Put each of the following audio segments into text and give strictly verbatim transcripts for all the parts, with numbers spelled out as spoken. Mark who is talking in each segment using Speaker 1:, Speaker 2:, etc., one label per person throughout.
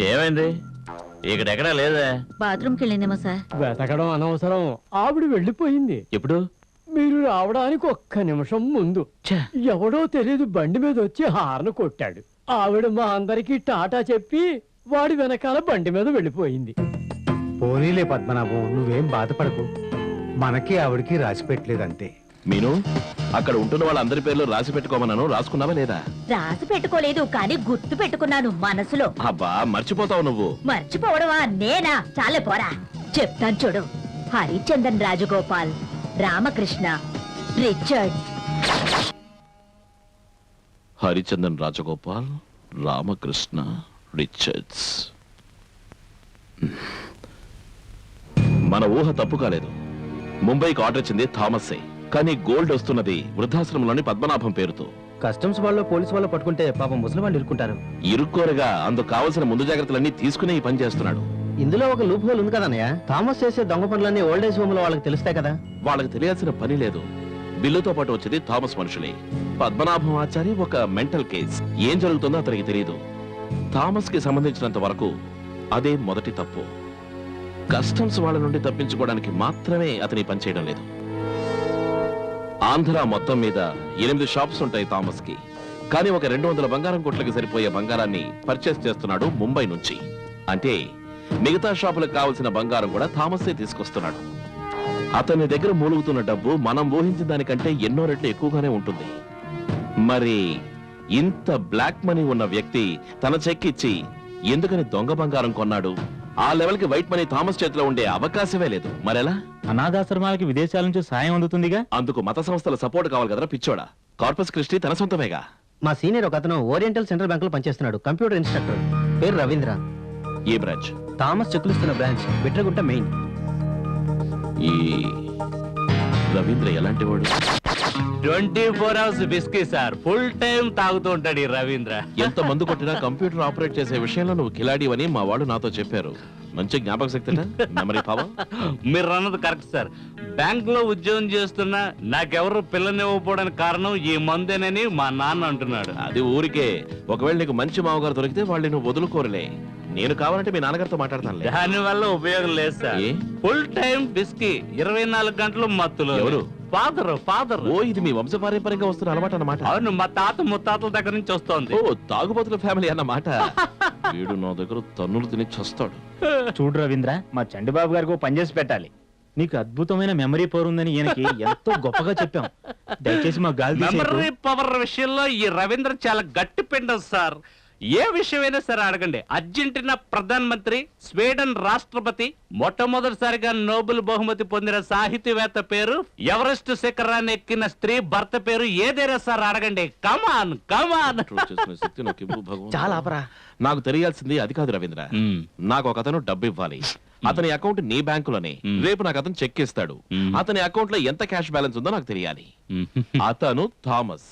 Speaker 1: ఏమైంది? ఇక్కడెక్కడా లేదా?
Speaker 2: బాత్రూమ్కి వెళ్ళిందేమో సార్.
Speaker 3: వెతకడం అనవసరం, ఆవిడ వెళ్ళిపోయింది.
Speaker 1: ఎప్పుడు?
Speaker 3: మీరు రావడానికి ఒక్క నిమిషం ముందు ఎవడో తెలియదు బండి మీద వచ్చి హార్న్ కొట్టాడు. ఆవిడ మా అందరికి టాటా చెప్పి వాడి వెనకాల బండి మీద వెళ్ళిపోయింది.
Speaker 4: పోనీలే పద్మనాభం, నువ్వేం బాధపడకు. మనకి ఆవిడికి రాసి పెట్టలేదంతే.
Speaker 1: మీను, అక్కడ ఉంటున్న వాళ్ళందరి పేర్లు రాసి పెట్టుకోమన్నాను, రాసుకున్నావా లేదా?
Speaker 2: రాసి పెట్టుకోలేదు, కానీ గుర్తు పెట్టుకున్నాను మనసులో.
Speaker 1: అబ్బా, మర్చిపోతావు నువ్వు.
Speaker 2: మర్చిపోవడమా? నేనా? చాలే పోరా, చెప్తాను చూడు. హరిచందన్ రాజగోపాల్, రామకృష్ణ, రిచర్డ్.
Speaker 1: హరిచందన్ రాజగోపాల్, రామకృష్ణ, రిచర్డ్స్. మన ఊహ తప్పు కాలేదు. ముంబైకి ఆర్డర్ ఇచ్చింది థామసే, కానీ గోల్డ్ వస్తున్నది వృద్ధాశ్రమంలోని పద్మనాభం పేరుతో.
Speaker 5: కస్టమ్స్ వాళ్ళు పోలీసు వాళ్ళు పట్టుకుంటే పాపం ముసలి వాళ్ళు ఇరుక్కుంటారు.
Speaker 1: ఇరుక్కోరగా అందుకు కావలసిన ముందు జాగ్రత్తలన్నీ తీసుకునే ఈ పని చేస్తున్నాడు.
Speaker 5: ఇందులో ఒక లూప్ హోల్ ఉంది కదన్నయ్య. థామస్ చేసే దొంగ పనులన్నీ ఓల్డ్ ఏజ్ హోమ్ లో వాళ్ళకి తెలుస్తాయి కదా.
Speaker 1: వాళ్ళకి తెలియాల్సిన పని లేదు. బిల్లుతో పాటు వచ్చేది థామస్ మనుషులే. పద్మనాభం ఆచారి ఒక మెంటల్ కేస్. ఏం జరుగుతుందో అతనికి తెలియదు. థామస్ కి సంబంధించినంత వరకు అదే మొదటి తప్పు. కస్టమ్స్ వాళ్ళ నుండి తప్పించుకోవడానికి మాత్రమే అతని పని చేయడం లేదు. ఆంధ్ర మొత్తం మీద ఎనిమిది షాప్స్ ఉంటాయి థామస్ కి, కానీ ఒక రెండు వందల బంగారం కొట్లకి సరిపోయే బంగారాన్ని పర్చేస్ చేస్తున్నాడు ముంబై నుంచి. అంటే మిగతా షాపులకు కావలసిన బంగారం కూడా థామసే తీసుకొస్తున్నాడు. అతని దగ్గర మూలుగుతున్న డబ్బు మనం ఊహించిన దానికంటే ఎన్నో రెట్లు ఎక్కువగానే ఉంటుంది. మరి ఇంత బ్లాక్ మనీ ఉన్న వ్యక్తి తన చెక్ ఇచ్చి ఎందుకని దొంగ బంగారం కొన్నాడు? ఆ లెవెల్ కి వైట్ మనీ థామస్ చేతిలో ఉండే అవకాశమే లేదు. మరెలా?
Speaker 6: అనాథాశ్రమాలకి విదేశాల నుంచి సాయం అందుతుందిగా.
Speaker 1: అందుకు మత సంస్థల సపోర్ట్ కావాలి కదరా పిచ్చోడా. కార్పస్ క్రిస్టీ తన సొంతమేగా.
Speaker 5: మా సీనియర్ ఒక అతను ఓరియంటల్ సెంట్రల్ బ్యాంక్ లో పనిచేస్తున్నాడు. కంప్యూటర్ ఇన్స్ట్రక్టర్, పేరు రవీంద్ర.
Speaker 1: ఏ బ్రాంచ్?
Speaker 5: థామస్ చెక్కులు ఇస్తున్న బ్రాంచ్ బిట్రగుట్ట మెయిన్.
Speaker 1: ఈ రవీంద్ర ఎలాంటి వాడు?
Speaker 6: Twenty four hours whisky sir, full time తాగుతూ ఉంటాడు ఈ రవీంద్ర.
Speaker 1: ఎంత మందు కొట్టినా కంప్యూటర్ ఆపరేట్ చేసే విషయంలో నువ్వు కిలాడివని మా వాళ్ళు నాతో చెప్పారు. మంచి జ్ఞాపక శక్తి, మెమరీ పవర్.
Speaker 6: మీరు అన్నది కరెక్ట్ సార్. బ్యాంక్ లో ఉద్యోగం చేస్తున్నా నాకెవరు పిల్లనివ్వకపోవడానికి కారణం ఈ మందేనని మా నాన్న అంటున్నాడు.
Speaker 1: అది ఊరికే. ఒకవేళ నీకు మంచి మామగారు దొరికితే వాళ్ళు నువ్వు వదులుకోరలే. నేను కావాలంటే మీ నాన్నగారితో మాట్లాడతాను.
Speaker 6: దాని వల్ల ఉపయోగం లేదు సార్. ఫుల్ టైం బిస్కీ, ఇరవై నాలుగు గంటలు మత్తులు.
Speaker 1: ఎవరు?
Speaker 6: ఫాదర్. ఫాదర్.
Speaker 1: ఓ, ఇది మీ వంశపారంపర్యంగా వస్తున్న అలవాటు అన్నమాట.
Speaker 6: అవును, మా తాత ముత్తాతల దగ్గర నుంచి వస్తోంది.
Speaker 1: ఓ, తాగుబోతుల ఫ్యామిలీ అన్నమాట. వీడు నా దగ్గర తన్నులు తిని చస్తాడు.
Speaker 6: చూడు రవీంద్ర, మా చండిబాబు గారికి పనిచేసి పెట్టాలి. నీకు అద్భుతమైన మెమరీ పవర్ ఉందని ఈయనకి ఎంతో గొప్పగా చెప్పాం. దయచేసి మా గాలి మెమరీ పవర్ విషయంలో ఈ రవీంద్ర చాలా గట్టి పిండం సార్. ఏ విషయమైనా సరే అడగండి. అర్జెంటీనా ప్రధానమంత్రి, స్వీడన్ రాష్ట్రపతి, మొట్టమొదటిసారిగా నోబెల్ బహుమతి పొందిన సాహితీవేత్త పేరు, ఎవరెస్ట్ శిఖరాన్ని ఎక్కిన స్త్రీ భర్త పేరు, ఏదైనా సార్ అడగండి. కమాన్ కమాన్.
Speaker 5: చాలా ఆపరా.
Speaker 1: నాకు తెలియాల్సింది అది కాదు రవీంద్ర. నాకు ఒక అతను డబ్బు ఇవ్వాలి. అతని అకౌంట్ నీ బ్యాంకులోనే. రేపు నాకు అతను చెక్ ఇస్తాడు. అతని అకౌంట్ లో ఎంత క్యాష్ బ్యాలెన్స్ ఉందో నాకు తెలియాలి. అతను థామస్.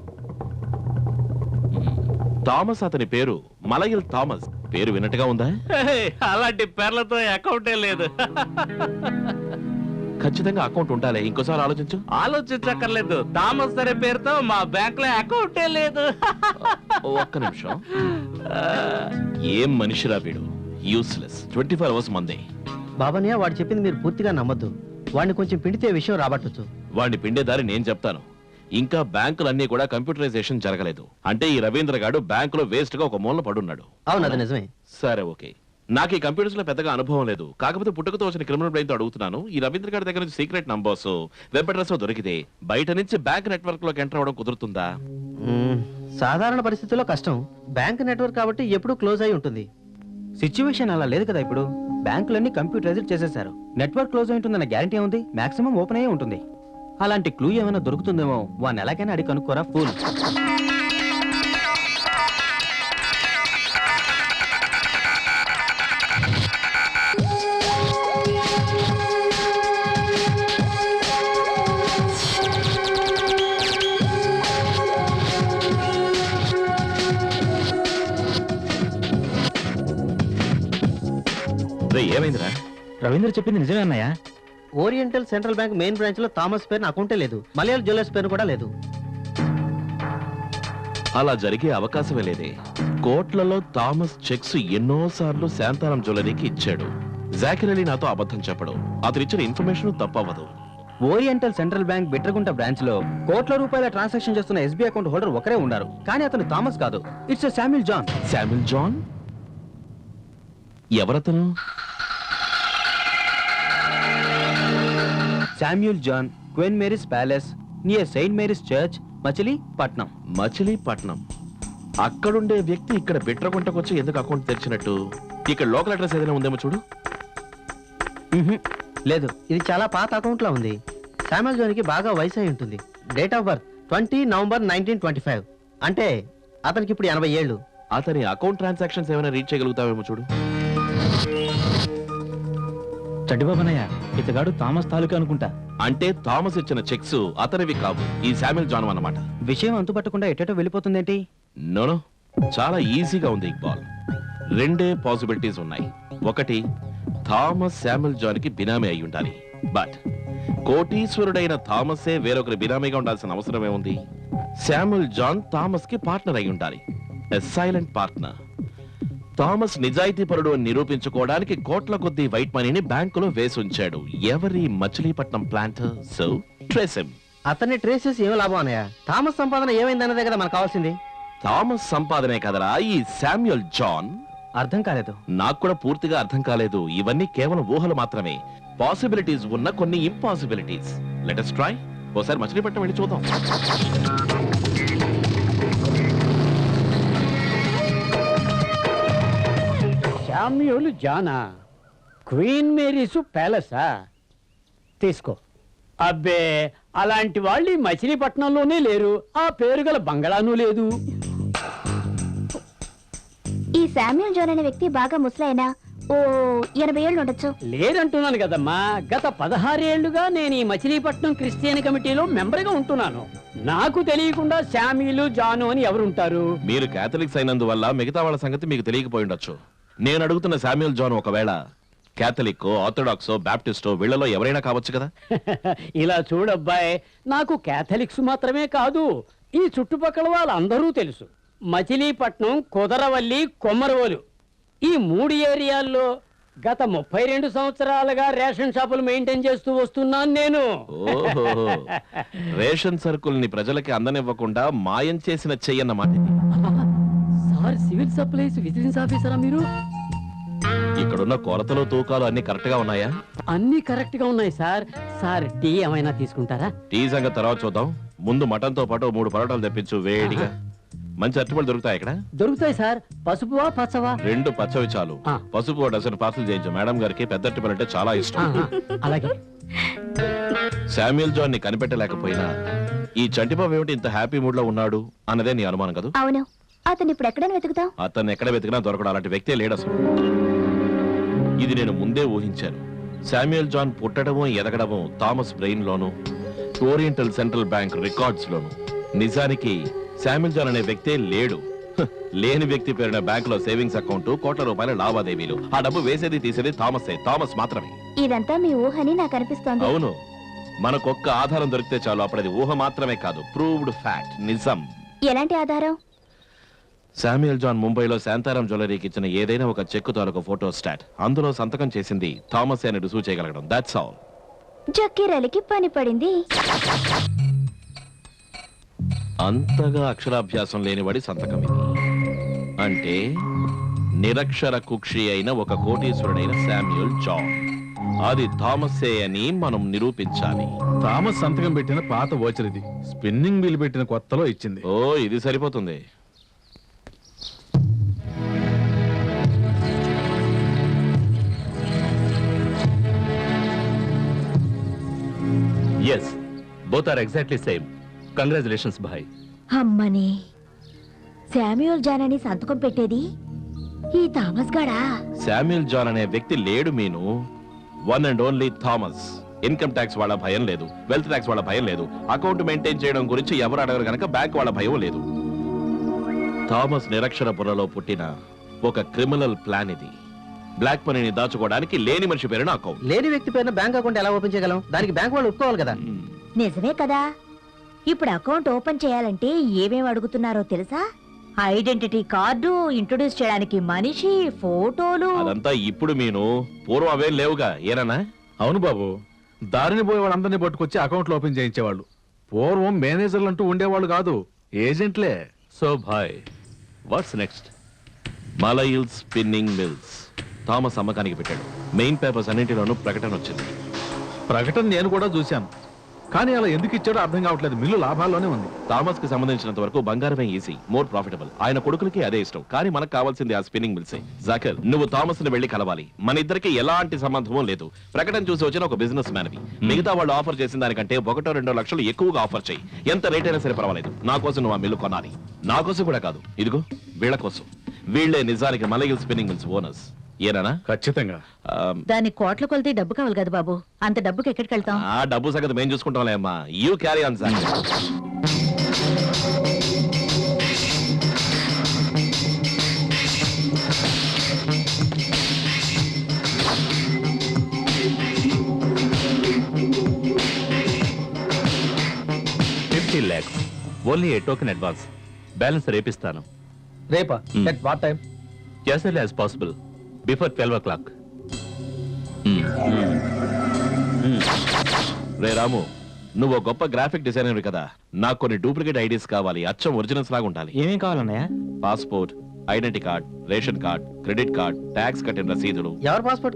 Speaker 1: థామస్ అతని పేరు మలయల్ థామస్. పేరు విన్నట్టుగా ఉందా?
Speaker 6: అలాంటి పేర్లతో అకౌంటే లేదు.
Speaker 1: ఖచ్చితంగా అకౌంట్ ఉండాలి. ఇంకోసారి ఆలోచించు.
Speaker 6: ఆలోచించక్కర్లేదు. థామస్ అనే పేరుతో మా బ్యాంక్ లో అకౌంటే లేదు.
Speaker 1: ఒక్క నిమిషం. ఏం మనిషిరా వీడు, యూస్లెస్. ట్వంటీ ఫోర్ అవర్స్ మందే.
Speaker 5: బాబానియా, వాడు చెప్పింది మీరు పూర్తిగా నమ్మద్దు. వాడిని కొంచెం పిండితే విషయం రాబట్టొచ్చు.
Speaker 1: వాడిని పిండే దారి నేను చెప్తాను. ఇంకా బ్యాంకులన్నీ కూడా కంప్యూటరైజేషన్ జరగలేదు. అంటే ఈ రవీంద్ర గాడు బ్యాంకులో వేస్ట్ గా ఒక మూలన పడున్నాడు.
Speaker 5: అవును, అది నిజమే.
Speaker 1: సరే, ఓకే. నాకు ఈ కంప్యూటర్స్ లో పెద్దగా అనుభవం లేదు. కాకపోతే పుట్టుకతో వచ్చిన క్రిమినల్ బ్రెయిన్ తో అడుగుతున్నాను. ఈ రవీంద్ర గారి దగ్గర నుంచి సీక్రెట్ నంబర్స్, వెబ్ అడ్రస్ దొరికితే బయట నుంచి బ్యాంక్ నెట్వర్క్ లోకి ఎంటర్ అవ్వడం కుదురుతుందా?
Speaker 5: సాధారణ పరిస్థితుల్లో కష్టం. బ్యాంక్ నెట్వర్క్ కాబట్టి ఎప్పుడు క్లోజ్ అయి ఉంటుంది. సిచ్యువేషన్ అలా లేదు కదా. ఇప్పుడు బ్యాంకులన్నీ కంప్యూటరైజ్ చేసేశారు. నెట్వర్క్ క్లోజ్ అయి ఉంటుందన్న గ్యారంటీ ఉంది. మాక్సిమం ఓపెన్ అయ్యే ఉంటుంది. అలాంటి క్లూ ఏమైనా దొరుకుతుందేమో. వాడిని ఎలాగైనా అడిగి కనుక్కోరా ఫూల్.
Speaker 1: ఏమైందిరా?
Speaker 6: రవీంద్ర చెప్పింది నిజమే అన్నయ్య.
Speaker 5: Oriental Central Bank main branch లో థామస్ పేరు అకౌంటే లేదు. మలయాళ జ్యువెలర్స్ పేరు కూడా లేదు.
Speaker 1: అలా జరిగే అవకాశమే లేదే. కోట్లలో థామస్ చెక్స్ ఎన్నోసార్లు శాంతారాం జ్యువెలరీకి ఇచ్చాడు. జాకిర్ అలీ నాతో అబద్ధం చెప్పడు. అతను ఇచ్చిన ఇన్ఫర్మేషన్ తప్పవదు.
Speaker 5: Oriental Central Bank Bitragunta branch లో కోట్ల రూపాయల ట్రాన్సాక్షన్ చేస్తున్న ఎస్బీఐ అకౌంట్ హోల్డర్ ఒకరే ఉన్నారు, కానీ అతను థామస్ కాదు. It's Samuel John.
Speaker 1: Samuel John ఎవరతను?
Speaker 5: Samuel John, Queen Mary's Palace near Saint Mary's Church, Machilipatnam.
Speaker 1: Machilipatnam. అక్కడుండే వ్యక్తి ఇక్కడ బిట్రగుంటకొచ్చి ఎందుకు అకౌంట్ తెరిచినట్టు? ఇక్కడ లోకల్ అడ్రస్ ఏదైనా ఉందేమో చూడు.
Speaker 5: మ్హూ. లేదు, ఇది చాలా పాత అకౌంట్ లా ఉంది. శామ్యుల్ జాన్ కి బాగా వయసు అయి ఉంటుంది. Date of birth twenty November nineteen twenty five. అంటే అతనికి ఇప్పుడు ఎనభై ఏళ్ళు.
Speaker 1: అతని అకౌంట్ ట్రాన్సాక్షన్స్ ఏమైనా రీచ్ చేయగలుగుతావేమో చూడు.
Speaker 6: చంటిబాబనయ్య, ఇతగాడు థామస్ తాలూకా అనుకుంటా.
Speaker 1: అంటే థామస్ ఇచ్చిన చెక్స్ అతనివి కావు, ఈ శామ్యుల్ జాన్ అన్నమాట.
Speaker 5: విషయం అంతుపట్టకుండా ఎటేటో వెళ్ళిపోతుందేంటి?
Speaker 1: నోనో, చాలా ఈజీగా ఉంది ఇక్బాల్. రెండే పాసిబిలిటీస్ ఉన్నాయి. ఒకటి, థామస్ శామ్యుల్ జాన్ కి బినామీ అయి ఉండాలి. బట్ కోటీశ్వరుడైన థామసే వేరొకరి బినామీగా ఉండాల్సిన అవసరమే ఉంది. శామ్యుల్ జాన్ థామస్ కి పార్ట్నర్ అయి ఉండాలి, సైలెంట్ పార్ట్నర్. థామస్ నిజాయితీ పరుడు అని నిరూపించుకోవడానికి కోట్ల కొద్దీ వైట్ మనీని బ్యాంకులో వేసి ఉంచాడు. ఎవరి? Machilipatnam planter. So trace him.
Speaker 5: అతన్ని ట్రేస్ చేసి ఏం లాభం అన్నయ్య? థామస్ సంపాదన ఏమైందన్నదే కదా మనకు కావాల్సింది.
Speaker 1: థామస్ సంపాదనే కదరా ఈ శామ్యుల్ జాన్.
Speaker 5: అర్థం కాలేదు.
Speaker 1: నాకు కూడా పూర్తిగా అర్థం కాలేదు. ఇవన్నీ కేవలం ఊహలు మాత్రమే. పాసిబిలిటీస్ ఉన్న కొన్ని ఇంపాసిబిలిటీస్. Let us try. ఓసారి మచిలీపట్నం వెళ్ళి చూద్దాం.
Speaker 3: శామ్యూల్ జానా, క్వీన్ మేరీసు ప్యాలెసా? తీసుకో. అబ్బే, అలాంటి వాళ్ళు ఈ మచిలీపట్నంలోనే లేరు. ఆ పేరు గల బంగళాను లేదు.
Speaker 7: ఈ శామ్యుల్ జాన్ అనే వ్యక్తి బాగా ముసలైనా ఓ ఎనభై ఏళ్ళు ఉండొచ్చు.
Speaker 3: లేదంటున్నాను కదమ్మా. గత పదహారేళ్లుగా నేను ఈ మచిలీపట్నం క్రిస్టియన్ కమిటీలో మెంబర్గా ఉంటున్నాను. నాకు తెలియకుండా శామ్యూలు జాను అని ఎవరుంటారు?
Speaker 1: మీరు కేథలిక్స్ అయినందువల్ల మిగతా వాళ్ళ సంగతి మీకు తెలియకపోయి ఉండొచ్చు. నేను అడుగుతున్న శామ్యుల్ జాన్ ఒకవేళ కేథలిక్, ఆర్థడాక్సో, బాప్టిస్టో వీళ్ళలో ఎవరైనా కావచ్చు కదా.
Speaker 3: ఇలా చూడబ్బాయ్, నాకు కేథలిక్స్ మాత్రమే కాదు, ఈ చుట్టుపక్కల వాళ్ళందరూ తెలుసు. మచిలీపట్నం, కుదరవల్లి, కొమ్మరవోలు ఈ మూడు ఏరియాల్లో గత ముప్పై రెండు సంవత్సరాలుగా రేషన్ షాపులు మెయింటైన్ చేస్తూ వస్తున్నాను నేను.
Speaker 1: ఓహో, రేషన్ సరుకుల్ని ప్రజలకి అందనివ్వకుండా మాయం చేసిన చెయ్యన్నమాట ఇది.
Speaker 3: సార్, సివిల్ సప్లైస్ విజిలెన్స్ ఆఫీసరా మీరు?
Speaker 1: ఇక్కడున్న కొరతలు, తూకాలు అన్ని కరెక్ట్ గా ఉన్నాయా?
Speaker 3: అన్ని కరెక్ట్ గా ఉన్నాయి సార్. సార్, టీ ఏమైనా తీసుకుంటారా?
Speaker 1: టీ సంగతి తర్వాత చూద్దాం. ముందు మటన్ తో పాటు మూడు పరోటాలు తెప్పించు వేడిగా. మంచి అరటిపళ్ళు దొరుకుతాయి ఇక్కడ?
Speaker 3: దొరుకుతాయి సార్. పసుపువా పచ్చవా?
Speaker 1: రెండు పచ్చవి చాలు.
Speaker 3: ఆ.
Speaker 1: పసుపు డజన్ పార్సల్ చేయించు. మేడం గారికి పెద్ద అరటిపళ్ళు అంటే చాలా ఇష్టం.
Speaker 3: ఆహా, అలాగే.
Speaker 1: శామ్యుల్ జాన్ ని కనిపెట్టలేకపోయినా ఈ చంటిబాబు ఏమిటి ఇంత హ్యాపీ మూడ్ లో ఉన్నాడు అన్నదే నీ అనుమానం కదా?
Speaker 7: అవును, అతను ఇప్పుడు ఎక్కడైనా వెతుకుతాం.
Speaker 1: అతన్ని ఎక్కడ వెతికినా దొరకడం అలాంటి వ్యక్తే లేడు అసలు. ఇది నేను ముందే ఊహించాను. శామ్యుల్ జాన్ పుట్టడము, ఎదగడము థామస్ బ్రెయిన్ లోను, ఓరియంటల్ సెంట్రల్ బ్యాంక్ రికార్డ్స్ లోను. నిజానికి శామ్యుల్ జాన్ అనే వ్యక్తే లేడు. హ్, లేని వ్యక్తి పేరున బ్యాంక్ లో సేవింగ్స్ అకౌంట్, కోట్ల రూపాయల లావాదేవీలు. ఆ డబ్బు వేసేది తీసేది థామసే, థామస్ మాత్రమే.
Speaker 7: ఇదంతా మీ ఊహని నాకు అనిపిస్తోంది.
Speaker 1: అవును, మనకొక్క ఆధారం దొరికితే చాలు. అప్పుడది ఊహ మాత్రమే కాదు, ప్రూవ్డ్ ఫ్యాక్ట్, నిజం.
Speaker 7: ఎలాంటి ఆధారం?
Speaker 1: శామ్యుల్ జాన్ ముంబైలో శాంతారాం జ్యువెలరీకి ఇచ్చిన ఏదైనా ఒక చెక్కు తాలూకు ఫోటో స్టాట్, అందులో సంతకం చేసింది థామస్ అని రుజువు చేయగలగడం. That's all.
Speaker 7: జక్కీరలికి పని పడింది.
Speaker 1: అంతగా అక్షరాభ్యాసం లేనివాడి సంతకం ఇది. అంటే నిరక్షర కుక్షి అయిన ఒక కోటీశ్వరుడైన శామ్యుల్ జాన్, అది థామసే అని మనం నిరూపించాలి.
Speaker 8: థామస్ సంతకం పెట్టిన పాత వోచర్ ఇది. స్పిన్నింగ్ వీల్ పెట్టిన కొత్తలో ఇచ్చింది.
Speaker 1: ఓ, ఇది సరిపోతుంది.
Speaker 9: Yes, both are exactly same. Congratulations, bhai.
Speaker 2: అమ్మని, శామ్యూల్ జాన్ అని సంతకం పెట్టేది ఈ థామస్ గాడా?
Speaker 1: శామ్యుల్ జాన్ అనే వ్యక్తి లేడు మీను. One and only Thomas. Income tax వాళ్ళ భయం లేదు, వెల్త్ ట్యాక్స్ వాళ్ళ భయం లేదు, అకౌంట్ మెయింటైన్ చేయడం గురించి ఎవరు అడగరు గనక బ్యాంక్ వాళ్ళ భయం లేదు. థామస్ నిరక్షరపురలో పుట్టిన ఒక క్రిమినల్ ప్లాన్ ఇది. బ్లాక్ మనీని దాచుకోవడానికి లేని మనిషి పేరున అకౌంట్.
Speaker 5: లేని వ్యక్తి పేరున బ్యాంక్ అకౌంట్ ఎలా ఓపెన్ చేయగలం? దానికి బ్యాంక్ వాళ్ళు ఒప్పుకోవాలి కదా.
Speaker 2: నిజమే కదా. ఇప్పుడు అకౌంట్ ఓపెన్ చేయాలంటే ఏమేం అడుగుతున్నారో తెలుసా? ఐడెంటిటీ కార్డు, ఇంట్రొడ్యూస్ చేయడానికి మనిషి, ఫోటోలు.
Speaker 1: అదంతా ఇప్పుడు మీను, పూర్వం అవేం లేవుగా ఏనా?
Speaker 8: అవును బాబు, దారిని పోయే వాళ్ళందరినీ పట్టుకొచ్చి అకౌంట్లు ఓపెన్ చేయించేవాళ్ళు. పూర్వం మేనేజర్లు అంటూ ఉండేవాళ్ళు కాదు, ఏజెంట్లే.
Speaker 9: So bhai, what's next?
Speaker 1: Malayil spinning mills Thomas అమ్మకానికి పెట్టాడు. మెయిన్ పేపర్స్ అన్నింటిలోనూ ప్రకటన వచ్చింది.
Speaker 8: ప్రకటన నేను కూడా చూశాను, కానీ అలా ఎందుకు ఇచ్చాడో అర్థం కావట్లేదు. మిల్లు లాభాల్లోనే ఉంది.
Speaker 1: థామస్ కి సంబంధించినంత వరకు బంగారమే ఈజీ, మోర్ ప్రాఫిటబుల్. ఆయన కొడుకులకి అదే ఇష్టం, కానీ మనకు కావాల్సింది ఆ స్పిన్నింగ్ మిల్సే. జాకర్, నువ్వు థామస్ ని వెళ్లి కలవాలి. మన ఇద్దరికి ఎలాంటి సంబంధం లేదు. ప్రకటన చూసి వచ్చిన ఒక బిజినెస్ మ్యాన్ వి. మిగతా వాళ్ళు ఆఫర్ చేసిన దానికంటే ఒకటో రెండో లక్షలు ఎక్కువగా ఆఫర్ చేయి. ఎంత రేట్ అయినా సరే పర్వాలేదు. నా కోసం నువ్వు ఆ మిల్లు కొనాలి. నా కోసం కూడా కాదు, ఇదిగో వీళ్ళ కోసం. వీళ్లే నిజానికి మలయిల్ స్పిన్నింగ్ మిల్స్ ఓనర్స్. ఏనా?
Speaker 8: ఖచ్చితంగా.
Speaker 2: దాని కోట్ల కొలితే డబ్బు కావాలి కదా బాబు, అంత డబ్బుకి ఎక్కడికి వెళ్తాం?
Speaker 1: ఆ డబ్బు సంగతి మేము చూసుకుంటాంలే అమ్మా. You carry on Jakar.
Speaker 9: Fifty lakhs only a token advance. Balance రేపిస్తాను.
Speaker 5: రేపా?
Speaker 9: Hmm.
Speaker 5: At what time?
Speaker 9: As early as possible, before twelve o'clock.
Speaker 1: రే రాము, నువ్వు ఒక గొప్ప గ్రాఫిక్ డిజైనర్ కదా. నాకు కొన్ని డూప్లికేట్ ఐడీస్ కావాలి, అచ్చం ఒరిజినల్స్ లాగా ఉండాలి.
Speaker 5: ఏమేం కావాలన్నయ్య?
Speaker 1: Passport, identity card, ration card, credit card, tax కట్టిన రసీదులు.
Speaker 5: ఎవరు పాస్పోర్ట్